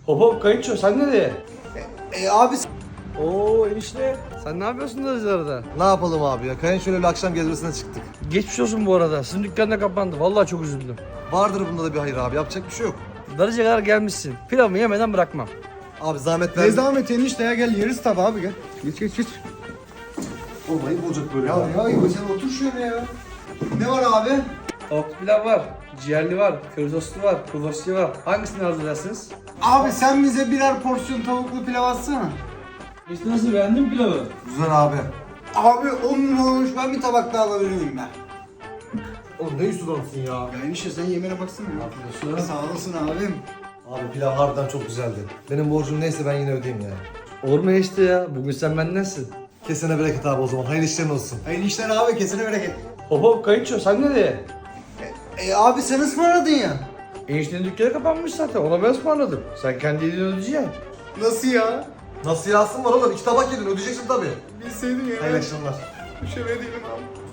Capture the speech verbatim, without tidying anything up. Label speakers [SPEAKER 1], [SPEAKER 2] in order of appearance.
[SPEAKER 1] Hop hop kayınço sen nereye?
[SPEAKER 2] E abi
[SPEAKER 1] Oo enişte sen ne yapıyorsun Darıcılar'da?
[SPEAKER 2] ne yapalım abi ya? Kayın şöyle bir akşam gezmesine çıktık.
[SPEAKER 1] Geçmiş olsun bu arada. Sizin dükkan da kapandı. Vallahi çok üzüldüm.
[SPEAKER 2] Vardır bunda da bir hayır abi. Yapacak bir şey yok.
[SPEAKER 1] Darıcı'ya kadar gelmişsin. Pilavımı yemeden bırakmam.
[SPEAKER 2] Abi zahmet
[SPEAKER 3] Ne
[SPEAKER 2] ver.
[SPEAKER 3] zahmet enişte ya, gel yeriz tabi abi, gel. Geç geç geç.
[SPEAKER 2] Olmayı olacak böyle.
[SPEAKER 3] Ya ya İbo, sen otur şöyle ya. Ne var abi?
[SPEAKER 1] Tavuklu pilav var, ciğerli var, köri soslu var, kuru var. Hangisini arzu edersiniz?
[SPEAKER 3] Abi sen bize birer porsiyon tavuklu pilav atsana.
[SPEAKER 1] İşte nasıl beğendin pilavı?
[SPEAKER 2] Güzel abi.
[SPEAKER 3] Abi on numara olmuş, ben bir tabak daha alabilir miyim ben?
[SPEAKER 2] Oğlum ne üstü adamsın ya.
[SPEAKER 3] Ya enişte sen yemeğine baksana ya. Sağ olasın abim.
[SPEAKER 2] Abi pilav harbiden çok güzeldi. Benim borcum neyse ben yine ödeyeyim ya.
[SPEAKER 1] Olur mu enişte ya? Bugün sen bendensin.
[SPEAKER 2] Kesene bereket abi o zaman. Hayırlı işlerin olsun.
[SPEAKER 3] Hayırlı işler abi, kesene bereket.
[SPEAKER 1] Hop hop kayınço sen nereye?
[SPEAKER 3] E abi sen ısmarladın ya.
[SPEAKER 1] Eniştenin dükkanı kapanmış zaten. Ona ben ısmarladım. Sen kendi elini ödeyeceksin.
[SPEAKER 3] Nasıl ya?
[SPEAKER 2] Nasıl yazsın var oğlum? İki tabak yedin ödeyeceksin tabii.
[SPEAKER 3] Bilseydin ya.
[SPEAKER 2] Hayırlı akşamlar.
[SPEAKER 3] Düşemediydim abi.